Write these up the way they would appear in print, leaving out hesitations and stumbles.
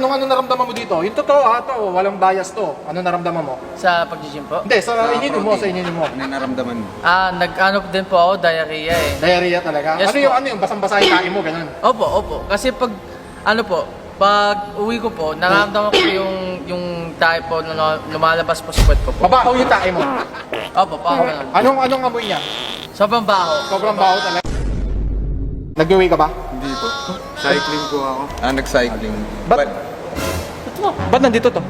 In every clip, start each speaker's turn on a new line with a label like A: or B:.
A: Anong naramdaman mo dito? Yung totoo to, walang bias to. Ano naramdaman mo?
B: Sa pag-gym po?
A: Hindi, sa ininom mo, sa ininom mo.
C: Ano yung naramdaman mo?
B: Nag-ano din po ako, diarrhea eh.
A: Diarrhea talaga?
B: Yes po.
A: Ano yung basang-basa yung kain mo, ganun?
B: Opo. Kasi pag uwi ko po, nararamdaman ko yung tae po na lumalabas po sa puwet ko po.
A: Mabaho yung tae mo.
B: Opo, parang ganun.
A: Anong amoy niya?
B: Sobrang baho.
A: Sobrang baho talaga. Nag-uwi ka ba?
C: Hindi po. Cycling po ako. Nag-cycling.
A: Ba't nandito to?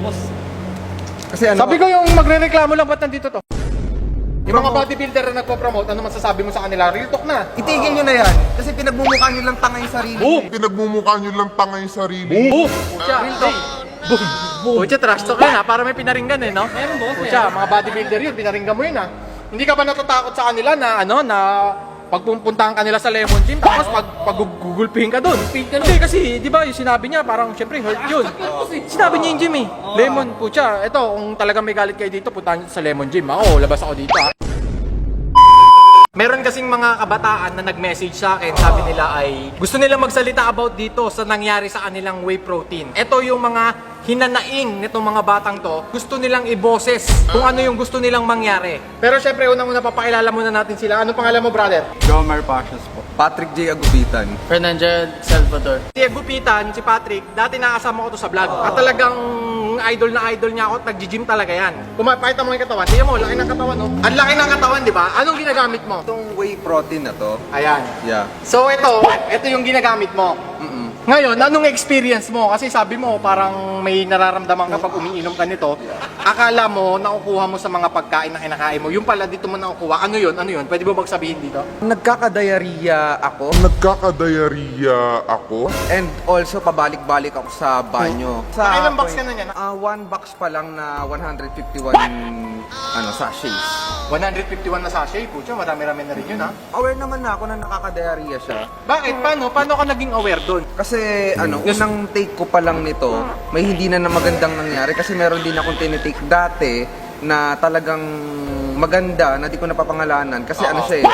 C: Kasi ano,
A: Sabi ko yung magre-reklamo lang, ba't nandito to? Yung mga bodybuilder na nagpo-promote, ano masasabi mo sa kanila? Real talk na.
C: itigil nyo na yan. Kasi pinagmumukha nyo lang tanga yung sarili.
D: Pinagmumukha nyo lang tanga yung sarili.
A: Boom! Pucha, Pucha, trash talk yun ha, para may pinaringgan eh, no? Meron boss. Pucha, mga bodybuilder yun, pinaringgan mo yun ha. Hindi ka ba natatakot sa kanila na pagpupuntahan ka nila sa Lemon Gym, tapos paggugulpihin ka doon? Hindi kasi, di ba, yung sinabi niya, parang syempre hurt yun. Sinabi niya yung gym eh. Lemon, pucha, eto, kung talagang may galit kayo dito, puntahan niyo sa Lemon Gym. Ako, labas ako dito ha. Meron kasing mga kabataan na nag-message sa akin, sabi nila ay gusto nilang magsalita about dito sa nangyari sa kanilang whey protein. Ito yung mga hinanaing nitong mga batang to, gusto nilang iboses kung ano yung gusto nilang mangyari. Pero syempre, unang-una papakilala muna natin sila. Ano pangalan mo, brother?
C: Jomar Pashas po. Patrick J. Agubitan.
B: Fernando Salvador.
A: Si Gupitan, si Patrick, dati nakasama ko to sa vlog. At talagang idol niya ako at nag-gym talaga yan. Kung makita mo yung katawan, tingnan mo, laki ng katawan, no? Ang laki ng katawan, di ba? Anong ginagamit mo?
C: Itong whey protein na to.
A: Ayan.
C: Yeah.
A: So ito yung ginagamit mo. Ngayon, anong experience mo? Kasi sabi mo, parang may nararamdaman kapag umiinom ka nito. Akala mo, nakukuha mo sa mga pagkain na kinakain mo. Yung pala dito mo nakukuha. Ano yun? Pwede mo bang sabihin dito?
C: Nagkaka-diarrhea ako.
D: Nagkaka-diarrhea ako.
C: And also, pabalik-balik ako sa banyo.
A: Ilang box ka na niyan?
C: One box pa lang na 151 sachets.
A: 151 na sachet. Pucha, marami-rami na rin yun, ha?
C: Aware naman na ako na nakaka-diarrhea siya.
A: Bakit? Paano ka naging aware doon?
C: Kasi unang take ko pa lang nito, may hindi na magandang nangyari. Kasi meron din akong tinitake dati na talagang maganda na di ko napapangalanan. Kasi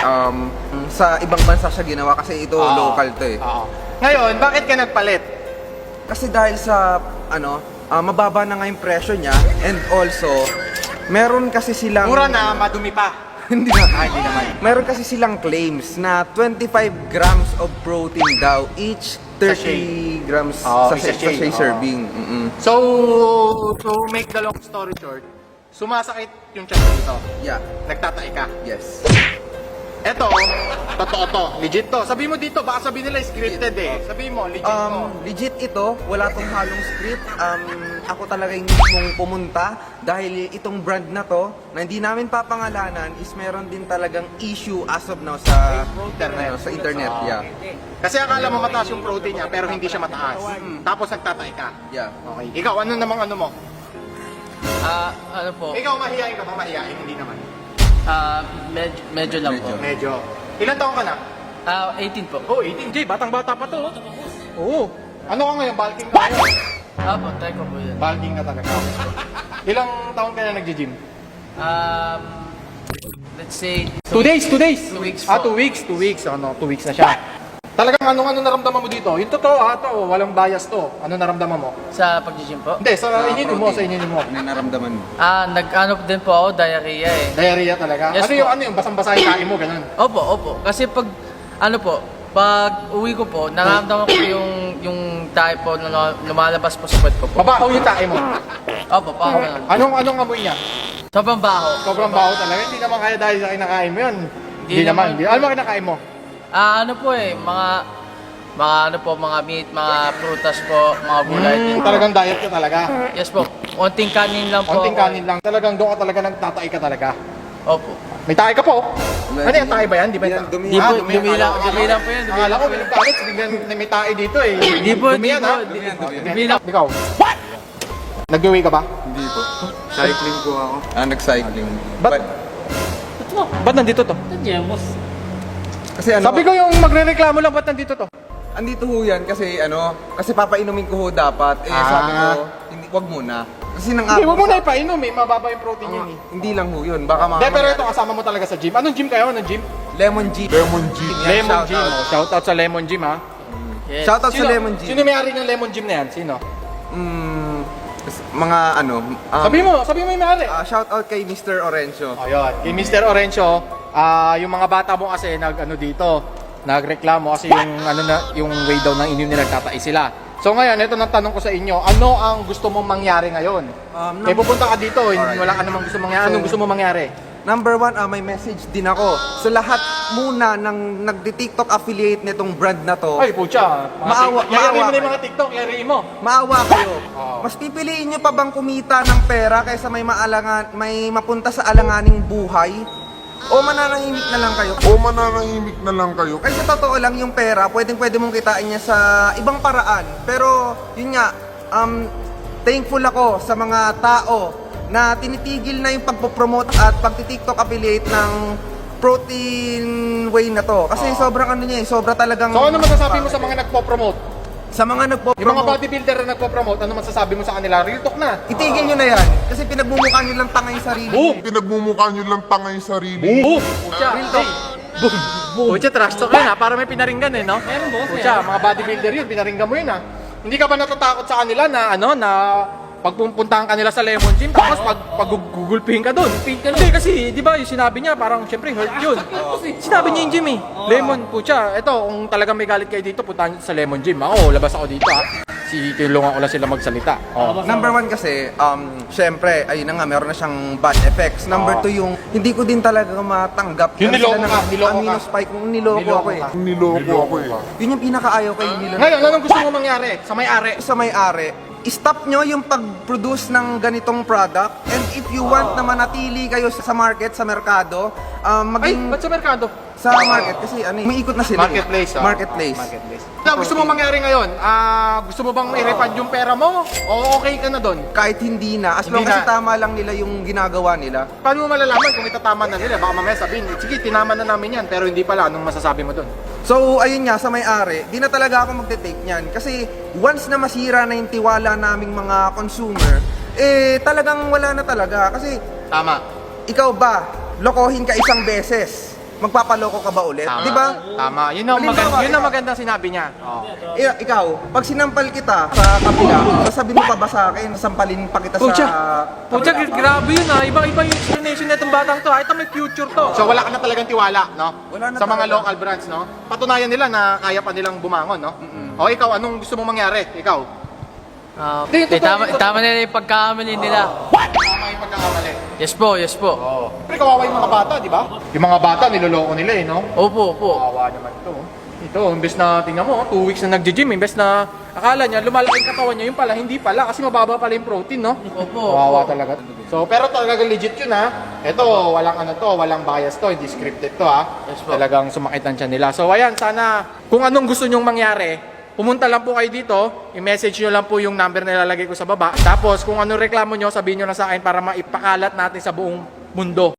C: sa ibang bansa siya ginawa kasi ito local to eh.
A: Ngayon, bakit ka nagpalit?
C: Kasi dahil sa mababa na nga yung presyo niya and also meron kasi silang
A: Mura na, madumi pa.
C: hindi naman. Meron kasi silang claims na 25 grams of protein daw each 30 grams sa sachet serving.
A: So, to make the long story short, sumasakit yung tiyan mo dito.
C: Yeah.
A: Nagtatai ka.
C: Yes.
A: Eto, totoo to. Legit to. Sabi mo dito, baka sabihin nila scripted eh. Sabi mo, legit to.
C: Legit ito, wala tong halong script. Ako talaga yung mismong pumunta dahil itong brand na to, na hindi namin papangalanan, is meron din talagang issue as of now sa internet. Yeah.
A: Kasi akala mo mataas yung protein niya, pero hindi siya mataas. Tapos nagtatay ka.
C: Yeah.
A: Okay. Ikaw, ano namang ano mo? Ikaw, mahihain ka ba? Mahihain? Hindi naman.
B: Medyo lang po.
A: Medyo. Ilan taong ka na?
B: 18 po.
A: Oh, 18. Jay, batang-bata pa to. Oo. Ano ka ngayon? Bulking ka ngayon?
B: Opo, try ko po yun.
A: Bulking ka talaga. Ilang taon ka na nag-gym?
B: Let's say
A: 2 days, 2 days.
B: 2 weeks
A: Ah,
B: po.
A: 2 weeks, 2 weeks. 2 weeks na siya. Talagang ano naramdaman mo dito? Yung totoo to, walang bias to. Ano naramdaman mo?
B: sa pag-gym po.
A: Hindi, sa ininom mo, sa ininom mo.
C: Ano yung naramdaman mo?
B: Nag-ano din po ako, diarrhea eh.
A: Diarrhea talaga?
B: Yes po.
A: Ano yung basang-basa yung kain mo, ganun?
B: Opo. Kasi pag uwi ko po, nararamdaman ko yung tae po na lumalabas po sa puwet ko po.
A: Mabaho yung tae mo.
B: Opo, parang ganun.
A: Anong amoy niya?
B: Sobrang baho.
A: Sobrang baho talaga. Hindi naman kaya dahil sa kinakain mo yun. Hindi naman.
B: naman.
A: Ano ba kinakain mo?
B: Mga meat, mga prutas po, mga gulay.
A: Talagang diet ka talaga.
B: Yes po. Konting kanin lang po.
A: Konting kanin lang. Talagang doon ka talaga nagtatay ka talaga.
B: Opo.
A: May tae ka po. Ano yung tae ba yan? Di ba
C: Yan,
A: yung
C: dumi.
B: Dumi lang po yan.
A: Akala ko pinagkalit. Biglang may tae dito eh. Dumi yan ha.
B: Dumi lang.
A: Ikaw. Nag-uwi ka ba?
C: Hindi po. Cycling po ako. Nag-cycling.
A: Ba't nandito to?
C: Kasi
A: Sabi ko yung magre-reklamo lang, ba't nandito to?
C: andito ho yan kasi kasi papainumin ko ho dapat. Sabi ko, wag muna. Kasi nang
A: Hindi, huwag mo na ipainom eh. Mababa yung protein yun eh.
C: Hindi lang ho yun. Baka
A: Hindi, pero ito kasama mo talaga sa gym. Anong gym kayo? Anong gym?
C: Lemon G.
D: Lemon G.
A: Lemon Gym. Shoutout sa Lemon Gym ha.
B: Yes.
C: Shoutout sa Lemon G.
A: Sino may-ari ng Lemon Gym na yan? Sino?
C: mga ano,
A: Sabi mo yung may-ari.
C: shout out kay Mr. Orencio.
A: Ayun, kay Mr. Orencio, yung mga bata mo kasi nagreklamo kasi yung way daw ng inyo nila nagtatais sila. So ngayon, ito nang tanong ko sa inyo, ano ang gusto mong mangyari ngayon? Kaya pupunta ka dito, wala ka namang gusto mangyari. Anong gusto mong mangyari?
C: Number one, may message din ako sa lahat muna ng nagdi-TikTok affiliate nitong brand na to.
A: Ay, pucha.
C: Maawa
A: Yari mo na yung
C: kayo.
A: mga TikTok, yari mo.
C: Maawa kayo.
A: Oo.
C: Mas pipiliin nyo pa bang kumita ng pera kaysa may mapunta sa alanganing buhay? O mananahimik na lang kayo?
D: O mananahimik na lang kayo?
C: Kasi sa totoo lang yung pera, pwede mong kitain niya sa ibang paraan. Pero yun nga, thankful ako sa mga tao na tinitigil na yung pagpopromote at pagti-TikTok affiliate ng protein whey na to. Kasi sobrang sobra talagang...
A: So ano masasabi mo sa mga nagpo-promote?
C: Sa mga
A: Yung mga
C: nagpo-promote,
A: bodybuilder na nagpo-promote, ano masasabi mo sa kanila? Real talk na.
C: itigil nyo na yan. Kasi pinagmumukha nyo lang tanga yung sarili.
A: Boom!
D: Pinagmumukha nyo lang tanga yung sarili.
A: Boom! Pucha, boom! Pucha, trash talk yun ha, para may pinaringgan eh, no? Pucha, mga bodybuilder yun, pinaringgan mo yun ha. Hindi ka ba natatakot sa kanila na pagpupuntahan ka nila sa Lemon Gym, tapos pag-gugulpihin ka doon? Hindi kasi, di ba, yung sinabi niya, parang syempre hurt yun. Sinabi niya yung gym eh. Lemon, pucha, eto, kung talagang may galit kayo dito, puntahan niyo sa Lemon Gym. Ako, labas ako dito ha. Tinulungan ko lang sila magsalita. Oh.
C: Number one kasi, syempre, ayun na nga, meron na siyang bad effects. Number two, yung hindi ko din talaga matanggap.
A: Yung
C: Meron
A: niloko
C: sila
A: ka,
C: ng
A: niloko ka.
C: amino spike, niloko ako eh.
D: Niloko ako eh.
C: Yun yung pinakaayaw kay nila.
A: Ngayon, anong gusto mo mangyari sa may-ari?
C: Sa may-ari, stop nyo yung pag-produce ng ganitong product, and if you want na manatili kayo sa market, sa merkado,
A: Ay,
C: maging
A: ba't sa merkado?
C: sa market kasi umiikot na sila.
A: Marketplace, ah.
C: Marketplace.
A: Ano gusto mo mangyari ngayon? Gusto mo bang i-refund yung pera mo? O okay ka na doon?
C: Kahit hindi na, as
A: Hindi
C: long as
A: na.
C: tama lang nila yung ginagawa nila.
A: Paano mo malalaman kung itatama na nila? Baka mamaya sabihin, sige, tinama na namin yan, pero hindi pala. Anong masasabi mo doon?
C: So, ayun nga, sa may-ari, di na talaga ako magte-take niyan. Kasi once na masira na yung tiwala naming mga consumer, talagang wala na talaga. Kasi,
A: Tama.
C: ikaw ba, lokohin ka isang beses, magpapaloko ka ba ulit?
A: Tama.
C: Di ba?
A: Tama. Yun ang
C: Halimbawa,
A: magandang sinabi niya. Oh.
C: Ikaw, pag sinampal kita sa kabila, sasabihin mo pa ba sa akin, sampalin pa kita
A: Pucha,
C: sa...
A: grabe yun ha. Iba-iba yung explanation na itong batang to. Ito may future to. So wala ka na talagang tiwala, no?
C: Wala na
A: sa mga
C: talaga.
A: local brands, no? Patunayan nila na kaya pa nilang bumangon, no? O ikaw, anong gusto mong mangyari? Ikaw?
B: Tama nila yung pagkakamali nila.
A: Tama yung pagkakamali.
B: Yes po, yes po.
A: Oo. Pero kawawa yung mga bata, di ba? Yung mga bata, niloloko nila eh, no?
B: Opo, opo.
A: Kawawa naman to. Ito, imbes na, tingnan mo, 2 weeks na nagji-gym, imbes na akala niya, lumalaki yung katawan niya, yung pala, hindi pala, kasi mababa pala yung protein, no?
B: Opo.
A: Kawawa talaga. So, pero talaga legit yun, ha? Ito, walang bias to, hindi scripted to, ha?
B: Yes po.
A: Talagang sumakit ang tiyan nila. So, ayan, sana, kung anong gusto nyong mangyari, pumunta lang po kayo dito, i-message nyo lang po yung number na ilalagay ko sa baba. Tapos, kung anong reklamo nyo, sabihin nyo na sa akin para maipakalat natin sa buong mundo.